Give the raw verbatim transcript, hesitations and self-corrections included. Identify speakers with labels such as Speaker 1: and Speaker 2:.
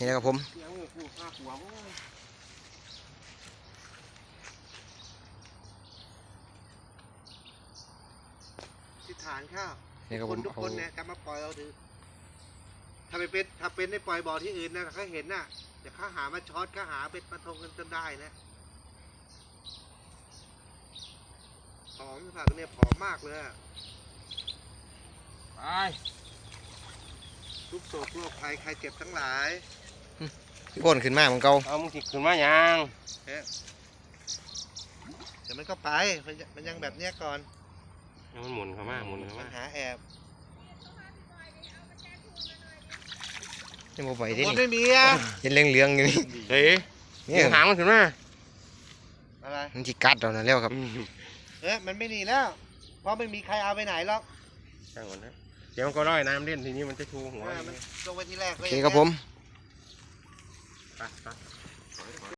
Speaker 1: นี่นะครับผม
Speaker 2: ทิศฐานข้าว
Speaker 1: นี่ครับ
Speaker 2: ค
Speaker 1: ผม
Speaker 2: นทุกคนเนี่ยจะมาปล่อยเอาถือถ้าไปเป็นถ้าเป็นได้ปล่อยบ่อที่อื่นนะเขาเห็นน่ะเดี๋ยวเขาหามาช็อตเขาหาเป็นมาทงกันจนได้นะผอมผักเนี่ยผอมมากเลยอะ
Speaker 3: ไป
Speaker 2: ทุกโศกโรคภัยใครเจ็บทั้งหลาย
Speaker 1: พี่อ้นขึ้นมาเหมือนเก่า
Speaker 3: เอามึงสิขึ้นมายัง
Speaker 2: เอ๊ะเดี๋ยวมันก็ไปมันยังมันยังแบบเนี้ยก่อน
Speaker 3: เอามันหมุนเข้ามาหมุนเข้า
Speaker 2: มั
Speaker 3: มาน
Speaker 2: หาแอบ
Speaker 1: ยังบ่ไป
Speaker 2: บ
Speaker 1: ที่
Speaker 2: น
Speaker 1: นี่
Speaker 2: ไม่มีอ่ะ
Speaker 1: เห็นเหลืองๆอยู่นี่
Speaker 3: เฮ้ย
Speaker 1: นี่
Speaker 3: หางมันขึ้นมา
Speaker 2: อะไร
Speaker 1: มันจิกัดเรานะแล้วครับ
Speaker 2: เอ๊ะมันไม่หนีแล้วเพราะไม่มีใครเอาไปไหนหรอก
Speaker 3: ช่างก่อนนะเดี๋ยวมันก็ร้อยน้ำเล่นทีนี้มันจะชูหัว
Speaker 2: เออมันลงไปที่แรก
Speaker 1: โอ
Speaker 2: ก็
Speaker 1: เค
Speaker 2: ย่าง
Speaker 1: ครับ
Speaker 2: งี้ย
Speaker 1: ผม
Speaker 3: ไปไป